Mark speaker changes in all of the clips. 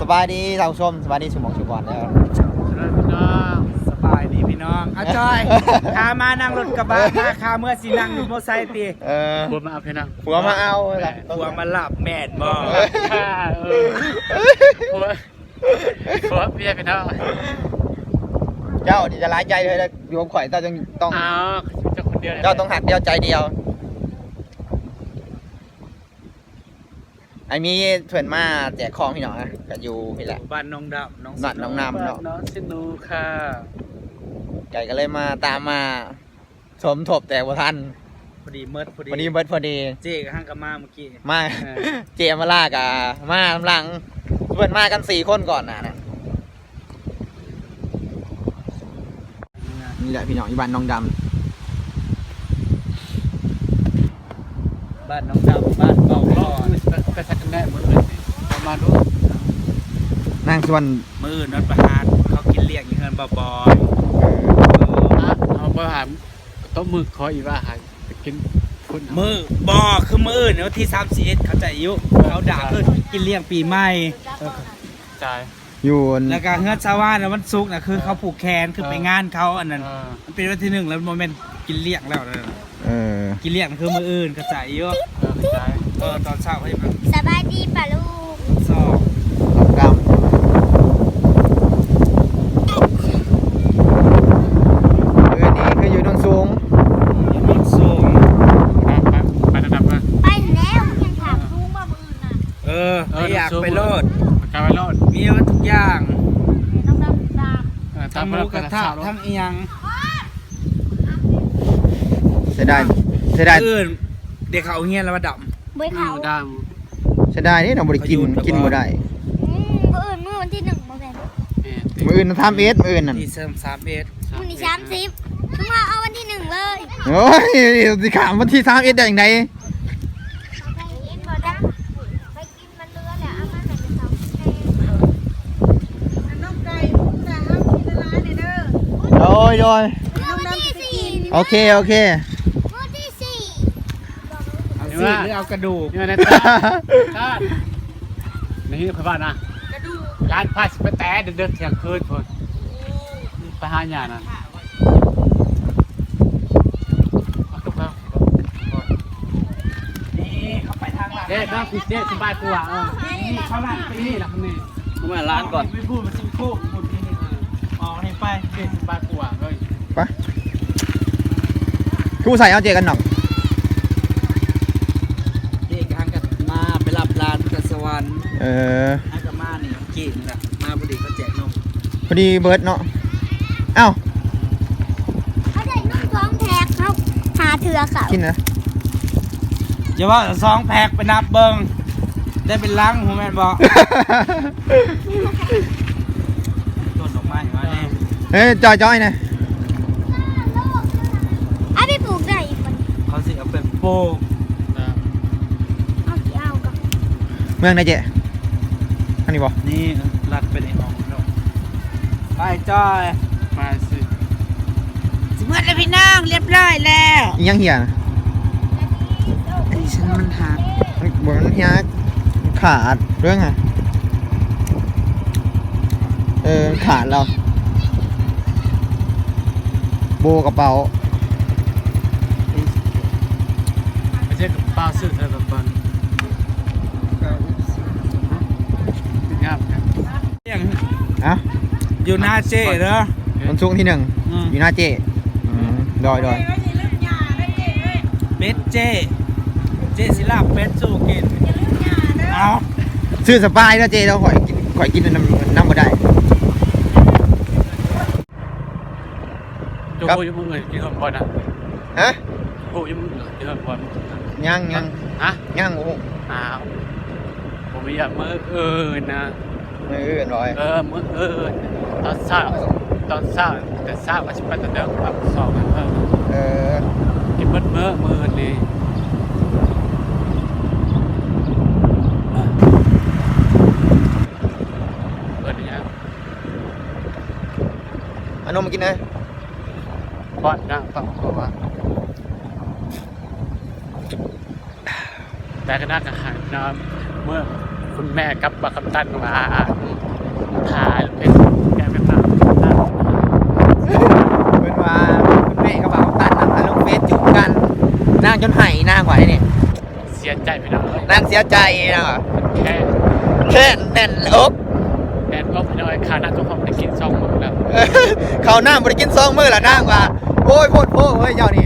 Speaker 1: สบายดีท่านผู้ชมสบายดีสมองชุบอลแล้ว
Speaker 2: พี่น้องสบายดีพี่น้องอาจอยพามานั่งรถกระบะมาคาเมื่อสินั่งอยู่มอเตอร์ไซค์ตีผัวมาเอาพี่น้อง
Speaker 1: ผัวมาเอา
Speaker 2: ผัวมาหลับแม่นบ่ผัวเพี้ยพี่น้อง
Speaker 1: เจ้าจะร้ายใจเลยอยู่กับข่อยเจ้าต้อง
Speaker 2: เจ้าคนเดียว
Speaker 1: เจ้าต้องหักเดียวใจเดียวไอ้มีเพื่อนมาแจกของพี่น้องนะก็อยู่พี่แหละ
Speaker 2: บ้านน้องดำ
Speaker 1: น้องน้ำเนาะ
Speaker 2: น้องสินูค่ะ
Speaker 1: ไก่ก็เลยมาตามมาสมทบแต่ว่าทัน
Speaker 2: พอดีเมิดพอดี
Speaker 1: วันนี้เบิร์ดพอดี
Speaker 2: เจ๊กับห้างกับมาเมื่อกี้
Speaker 1: มาเจมาลากอะมาลำลังเพื่อนมากัน4 คนก่อนนะนี่แหละพี่น้องที่บ้านน้องดำ
Speaker 2: บ้านน้องดำบ้านเก่าก่อนไปสักกันแน่มือเลยมาดู
Speaker 1: นางส่วน
Speaker 2: มือนัดประหารเขากินเลี้ยงอย่างเงินบ่อย
Speaker 3: เอาประหารต้มมือคอยอีว่าหายกิน
Speaker 2: มือบ่คือมือเนี่ยที่31เขาจะอายุเขาด่าคือกินเลี้ยงปีใหม่
Speaker 3: จ่าย
Speaker 1: อยู่
Speaker 2: แล้วก็เฮือนชาวบ้านวันศุกร์นะคือเขาผูกแขนคือไปงานเขาอันนั้นมันเป็นวันที่1แล้วโมเมนต์กินเลี้ยงแล้วนะกินเลี้ยงคือมืออื่นกระจายเยอะตอนเช้าให้มัน
Speaker 4: สบายดีป่ะลูก
Speaker 2: สอบ
Speaker 1: กำนี่คืออยู่นนสูง
Speaker 2: อยู่นนสูง
Speaker 3: ไประดับเลย
Speaker 4: ไปแล้วยังถามลูกว่ามือน่ะ
Speaker 2: อยากไปโลด
Speaker 3: ไปโลด
Speaker 2: มีว่าทุกอย่าง
Speaker 4: ต้องดำ
Speaker 2: ทั้งหมูกระทะทั้งเอียง
Speaker 1: เสียดาย
Speaker 2: อื่นเด็กเขาเงี้ยแล้วมาด
Speaker 4: ำไม่เขา
Speaker 3: ด
Speaker 1: ำเสียดายนี่เราบริกินบ่ได้
Speaker 4: มือวันที่1โมเมนต์
Speaker 1: มืออื่นทำมืออื่นนั่น
Speaker 2: ที่เสริม31
Speaker 4: มื้อนี้30คือมาเอาวันที่1เลย
Speaker 1: โอ้ยสิขามวันที่31ได้ยังไง
Speaker 4: ไปกินมันเรือแหละเอามาให้เป็น2น้องไก่แต่เอากินร้านเนี่ยเด้อ
Speaker 1: โดยโอเค
Speaker 4: มื้อที่4
Speaker 2: เอาสิหรือเอากระดูก
Speaker 3: นี่นะท่านนี่คือบ้านนะ
Speaker 4: กระดูก
Speaker 3: ร้านพาสไปแต่เดินเที่ยงคืนคนไปหาหยานั่น
Speaker 2: เขาไปทางหลัง
Speaker 3: เด็กน้องคุณเจ๊สบายกว่า
Speaker 2: นี่เขาหลังไปนี่หลังนี่
Speaker 3: ผมมาร้านก่อน
Speaker 2: ไม่พูดมันซิโก้หมดที่นี่อ๋อนี่ไป
Speaker 3: เจ๊สบายกว่าเลย
Speaker 1: ไปคู่ใส่เอาเจกันหน่อย
Speaker 2: เจ๊กับกันมาไปรับร้านกระสวรรค์ให้กับมานี่กินนะมาพอดีเขาแจกนม
Speaker 1: พอดีเบิร์ดเนาะเอ้า
Speaker 4: เขาได้นมท้องแท็กเขาหาเถื่อเขา
Speaker 1: กินนะ
Speaker 2: อย่าว่า2 แพ็คไปนับเบิ้งได้เป็นลังผมแม่นบอกต้นดอกไม้มาเนี่ย
Speaker 1: เฮ้ยจอยนะ
Speaker 4: เอาไปปลูกได้อีกคน
Speaker 2: เขาสิเอาเป็นโป้
Speaker 4: เอากี่เอากับ
Speaker 1: เมืองไหนเจ๊อันนี้บ่
Speaker 2: นี่รัดไปในห้องไปจอย
Speaker 3: มาสิ
Speaker 2: เมื่อแล้วพี่น้องเรียบร้อยแล้ว
Speaker 1: ยังเหี่ย
Speaker 2: อันนี้ฉันมันหัก
Speaker 1: บนเหี่ยขาดเรื่องไงขาดเราโบกระเป๋า
Speaker 3: ไม่ใช่กับป้าซื้อเธอแบบนั้นงาม
Speaker 1: อะ
Speaker 2: อยู่หน้าเจ๊เหรอ
Speaker 1: มันช่วงที่1อยู่หน้าเจ๊ดอย
Speaker 2: เป็ดเจ๊สิลาบเป็ดสู้กินเอา
Speaker 1: ซื้อสปายแล้วเจ๊เราข่อยกินน้ำมาได้
Speaker 3: โจ้ยังมึงเลยกินบอลนะ
Speaker 1: ฮะ
Speaker 3: โจ้ยังมึงเลยกินบอล
Speaker 1: ยัง
Speaker 3: ฮะ
Speaker 1: ยังโอ้
Speaker 3: ผมไม่อยากมือนะ
Speaker 1: มือร้อย
Speaker 3: มือตอนเช้าแต่เช้าก็จะไปตอนเดิมแบบ2กันกินมือเลย
Speaker 1: นมมากินนะ
Speaker 3: ป้อนนะต้องบอกว่าแต่ก็น่าจะหายน้ำเมื่อฝคุณแม่กับบักคำตันมาถ่ายเป็นแกเป็นมา
Speaker 1: เป็นว่าคุณแม่กับบ่าวตันนำมาลงเฟซจุบกันนางจนไห้นางไหวเนี่ย
Speaker 3: เสียใจพี่น้อง
Speaker 1: นางเสียใจนะว่ะ
Speaker 3: แค่
Speaker 1: แค่แน่นอก
Speaker 3: แอนก็พี่น้องขาหน้าทุกคนได้กิน2 มื้อแล้ว
Speaker 1: เขาหน้าบริกิน2 มื้อละนางว่าโอ้ยโพดโพเฮ้ยเจ้านี่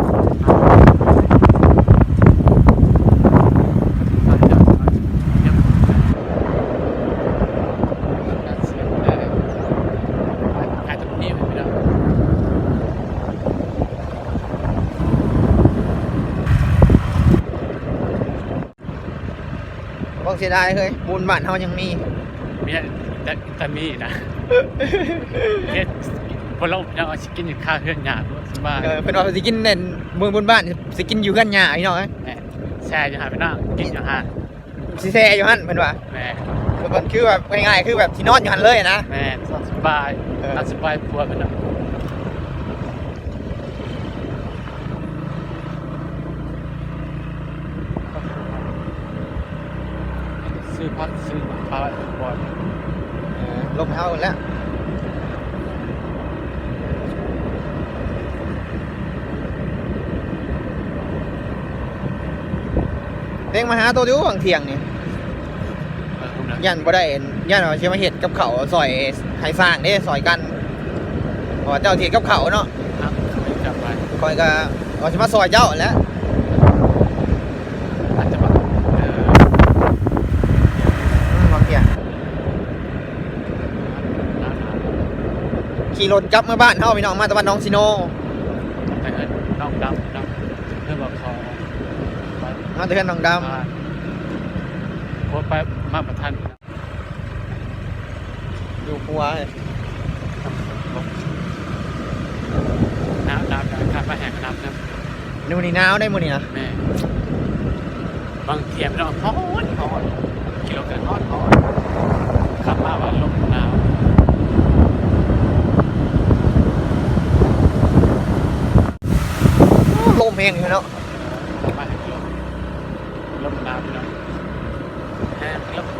Speaker 1: บ่เสียดายเฮ้ยบุญบ้านเฮายังมี
Speaker 3: มีแต่มีนะเฮ็ดบ่ลบยังเอาสิกินข้าวเฮือนหยาบ่สบาย
Speaker 1: เพิ่นว่าสิกินเน่นบุญบ้านสิกินอยู่กันหญ้าพี่น้องเอ้ย
Speaker 3: แม่แช่อยู่หาพี่น้องกินอยู่หา
Speaker 1: สิแซ่อยู่หั่นเพิ่นว่า
Speaker 3: แม่
Speaker 1: มันคือแบบง่ายๆคือแบบที่นอนอยู่หั่นเลยนะ
Speaker 3: แม่สบายสบายปัวพี่น้องซื้อพักซื้อปลาบ่อย
Speaker 1: ลมเฮาแล้วเต็งมาหาตัวอยู่บางเที่ยงนี่ยันบ่ได้ยันว่าสิมาเฮ็ดกับเขาวซอยให้สร้างเด้ซอยกันเพราะว่าเจ้าเฮ็ดกับเขาวเนาะ
Speaker 3: ครับจับไป
Speaker 1: คอยก็ว่าสิมาซอยเจ้าแหล้ว
Speaker 3: อาจจะแบบ
Speaker 1: บางเที่ยงขี่รถกลับมาบ้านเฮาพี่น้องมาตะวันน้องซิโน
Speaker 3: แต่เงินน้องดำน้องเพื่อบอกเขา
Speaker 1: มาเตือนน้องดำ
Speaker 3: โคตรไปมาประทัน
Speaker 1: อยู่ปัว
Speaker 3: น้ำขาดมาแหกน้ำนะ
Speaker 1: นู่นนี่หนาวได้มื้อนี้นะ
Speaker 3: แม่บางเทียมเราฮอนกิโลกันฮอนขับมาว่าลมหนาว
Speaker 1: ลมแห้งอยู่เนาะ
Speaker 3: มาให้ลมหนาวพี่น้องแห้งลม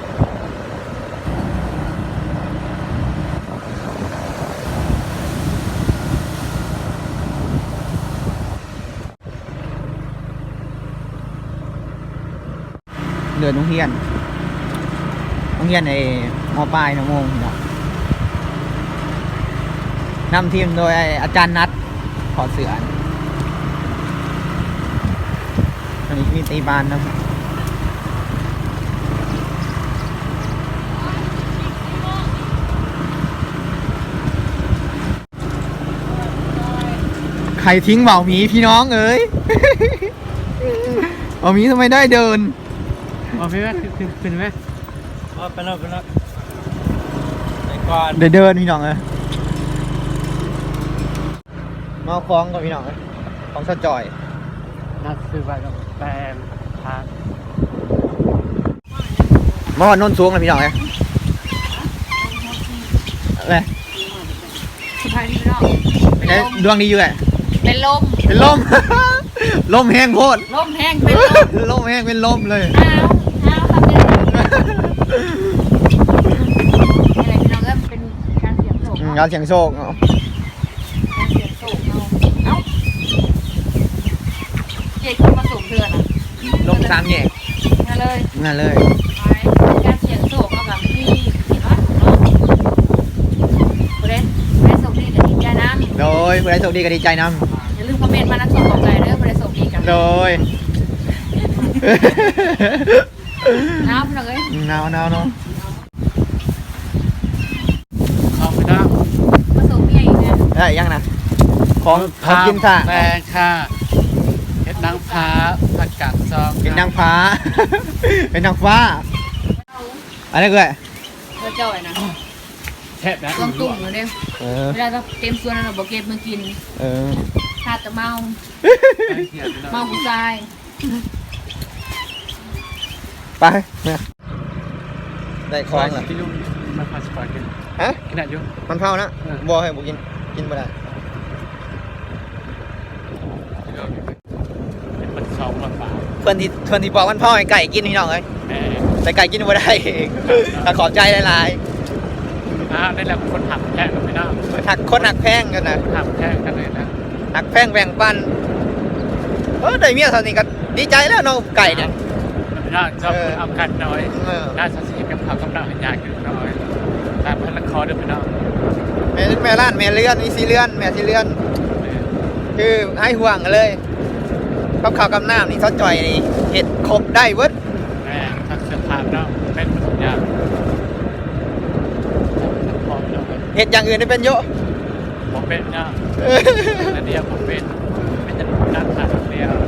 Speaker 1: เดือนโรงเรียนในม.ปลายนะโมงเนาะนำทีมโดยอาจารย์นัทขอเสืออันนี้มีตีบานนะใครทิ้งเบาหมีพี่น้องเอ้ย เบาหมีทำไมได้เดิน
Speaker 3: มาพี่แม่ขึ้นไหม
Speaker 2: ไปแล้วไปก่อน
Speaker 1: เดินพี่น้องเอ้ยมาเอาคล้องกับพี่น้องเอ้ยของสะจอย
Speaker 3: น่าซื้อไปกับแปลงทาง
Speaker 1: มาวันโน้นสูงเลยพี่น้องเอ้ยอะไร
Speaker 4: สุดท้ายนี่เนาะเป็น
Speaker 1: เอ้ย
Speaker 4: ลม
Speaker 1: ดวงดีอยู่ไง
Speaker 4: เป็นลม
Speaker 1: เป็นลม ลมแห้งโพด
Speaker 4: ลมแห้งเป็นลม
Speaker 1: ลมแห้งเป็นลมเลย
Speaker 4: อ้าวทำยังไงอะไรพี่น้องก็เป็นการเสียงโศก
Speaker 1: งานเสียงโชคเนาะ
Speaker 4: การเสียงโศกเอ้าเจ๊ขึ้นมาสูงเดือนอ่ะ
Speaker 1: ลมสามแยก
Speaker 4: มาเลย
Speaker 1: งานเลย
Speaker 4: ไปการเสียงโศกเอาแบบที่เห็นว่าเนาะประเด็นส่งดีกับดีใจน้ำ
Speaker 1: โดยผู้ใดโชคดีก็ดีใจน
Speaker 4: อย่าลืมคอมเมนต์มานะส่งขอบใจเด้อประเด็นส่งดีกัน
Speaker 1: ำโดย
Speaker 4: น้ำพี่น้องเอ้ย
Speaker 1: หนาวเนาะ
Speaker 3: เข้าไปได้
Speaker 4: มาส่งเมียอีกนะ
Speaker 1: ได้ยังนะของกินซะ
Speaker 3: แปลงค่ะเห็ดนางฟ้าผักกาดซอง
Speaker 1: เป็นนางฟ้า เป็นนางฟ้า อะไรก็ได้
Speaker 4: เธอจ่อยนะ
Speaker 3: แทบนะ
Speaker 4: ลองตุ่มเลยเนี่ย
Speaker 1: เออ
Speaker 4: เวลาเราเต็มส่วนเราบอกเก็บมากิน
Speaker 1: เออ
Speaker 4: ถ้าจะเมาเมาผู้ชาย
Speaker 1: ไปเนี่ยได้
Speaker 3: ค
Speaker 1: คล้
Speaker 3: อ
Speaker 1: อง ง
Speaker 3: เหร
Speaker 1: เหร
Speaker 3: อ
Speaker 1: อ
Speaker 3: ที่ยุ่งมันพาสปอร์ตกัน
Speaker 1: ฮะ
Speaker 3: ขนาดยุ่ง
Speaker 1: มันเผานะบัวให้บุกิน กินไม่ได้
Speaker 3: เป็นมัน2 บาท
Speaker 1: เพื่อนที่บอกมันเผาให้ไก่กินพี่น้องเอ้ย
Speaker 3: แม่
Speaker 1: เแต่ไก่กินบ่ได้แต่ขอบใจหลาย
Speaker 3: ได้แล้วคนหักแพงกันไม่ได้
Speaker 1: ๆหักคนหักแพงกันนะ
Speaker 3: หักแพงกันเลยนะ
Speaker 1: หักแพงแบ่งปันได้เมียเท่านี้ก็ดีใจแล้วเนาะไก่เนี่ย
Speaker 3: ไม่ได้ชอบเอากันน้อย
Speaker 1: เออ
Speaker 3: น่าจะสีกับเขากำลังยากอยู่น้อยแต่พันละคอเดิมไม่ได้
Speaker 1: แม่ล้านแม่เลื่อนนี่สีเลื่อนแม่สีเลื่อนคือให้ห่วงกันเลยกับข้าวกับน้ำนี่ซอสจ่อยนี่เห็ดครบได้เวิร์ด
Speaker 3: แม่ทักเสื้อผ้าเนาะเป็นทุกอย่างพอเนาะ
Speaker 1: เห็ดอย่างอื่นได้เป็นเยอะ
Speaker 3: ผมเป็นเนาะนั่นเดียวผมเป็นจะการขาดเดียว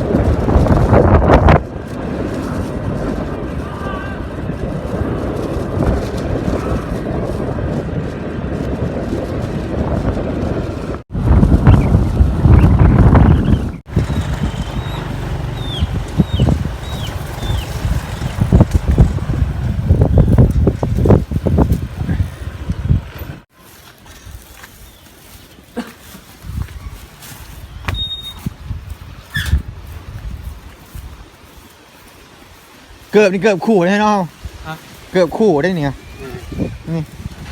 Speaker 1: เกือบนี่เกือบขู่ได้เนาะเกือบขู่ได้เนี่ยนี่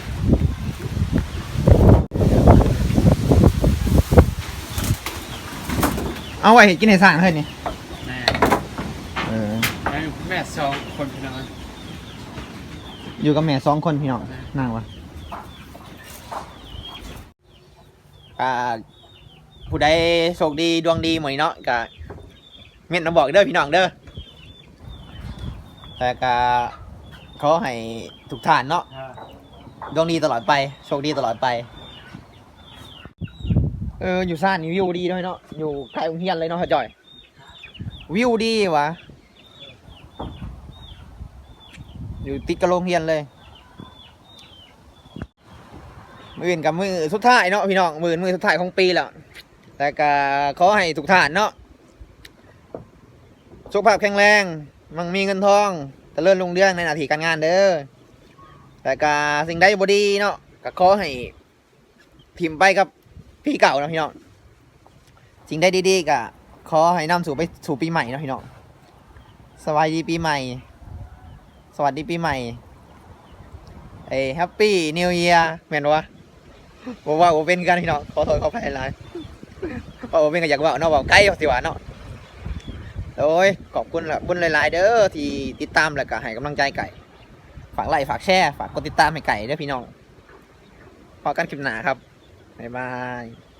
Speaker 1: เอาไว้กินในสร้างเฮ้ยนี่
Speaker 3: แม่
Speaker 1: เออ
Speaker 3: แม่สองคนพี่น้อง
Speaker 1: อยู่กับแม่2 คนพี่น้องนั่งวะผู้ใดโชคดีดวงดีหมดเนาะกะเม็ดมาบอกเด้อพี่น้องเด้อแต่กะขอให้ทุกท่านเนาะดวงดีตลอดไปโชคดีตลอดไปอยู่ซ่านนี่วิวดีด้วยเนาะอยู่ใกล้โรงเรียนเลยเนาะพ่อจ่อยวิวดีวะอยู่ติดกับโรงเรียนเลยมืออื่นกับมือสุดท้ายเนาะพี่น้องมือสุดท้ายของปีแล้วแต่ก็ขอให้ทุกท่านเนาะสุขภาพแข็งแรงมั่งมีเงินทองเจริญรุ่งเรืองในหน้าที่การงานเด้อแต่ก็สิ่งใดบ่ดีเนาะก็ขอให้พิมพ์ไปกับพี่เก่านะพี่น้องสิ่งใดดีๆก็ขอให้นำสู่ปีใหม่นะพี่น้องสวัสดีปีใหม่สวัสดีปีใหม่แฮปปี้นิวเยียร์แม่นวะบอกว่าผมเป็นกันพี่น้องขอโทษขออภัยหลายเพราะผมเป็นก็อยากว่าเนาะว่าใกล้สิว่าเนาะโอ้ยขอบคุณละบุญหลายๆเด้อที่ติดตามแล้วก็ให้กำลังใจไก่ฝากไลค์ฝากแชร์ฝากกดติดตามให้ไก่เด้อพี่น้องพอกันคลิปหน้าครับบ๊ายบาย